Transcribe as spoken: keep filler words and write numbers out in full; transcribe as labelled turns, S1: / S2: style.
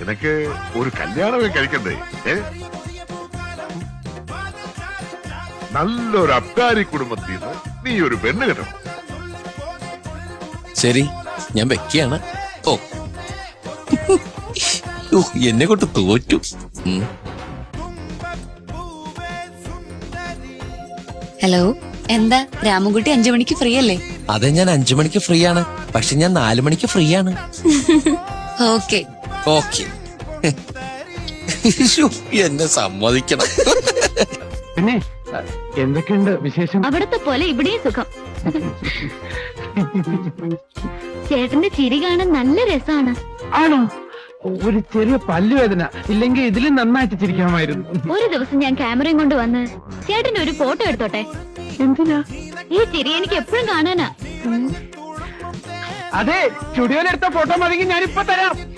S1: നിനക്ക് ഒരു കല്യാണമേ കഴിക്കണ്ടേ? ഏ നല്ലൊരു അബ്കാരി കുടുംബത്തിൽ നിന്ന് നീ ഒരു പെണ്ണ് കിട്ടണം.
S2: ശരി, ഞാൻ വെക്കുകയാണ്. ഓ എന്നെ കൊണ്ട് തോറ്റു.
S3: ഹലോ, എന്താ രാമൻകുട്ടി അഞ്ചു മണിക്ക് ഫ്രീ അല്ലേ?
S2: അതെ, ഞാൻ അഞ്ചു മണിക്ക് ഫ്രീ ആണ്. പക്ഷെ ഞാൻ നാലു മണിക്ക് ഫ്രീ ആണ്.
S3: Okay
S2: okay. എന്നെ സമ്മതിക്കണം.
S4: പിന്നെ എന്തൊക്കെയുണ്ട് വിശേഷം?
S5: അവിടത്തെ പോലെ ഇവിടെയും സുഖം. ചേട്ടന്റെ ചിരി കാണാൻ നല്ല രസമാണ്.
S4: ആണോ? ഒരു ചെറിയ പല്ലുവേദന, ഇല്ലെങ്കിൽ ഇതിലും നന്നായിട്ട് ചിരിക്കാമായിരുന്നു.
S5: ഒരു ദിവസം ഞാൻ ക്യാമറയും കൊണ്ട് വന്ന് ചേട്ടന്റെ ഒരു ഫോട്ടോ എടുത്തോട്ടെ?
S4: എന്തിനാ?
S5: ഈ ചിരി എനിക്ക് എപ്പോഴും കാണാനാ.
S4: അതെ, സ്റ്റുഡിയോയിലെടുത്ത ഫോട്ടോ മതിയെങ്കിൽ ഞാനിപ്പോ തരാം.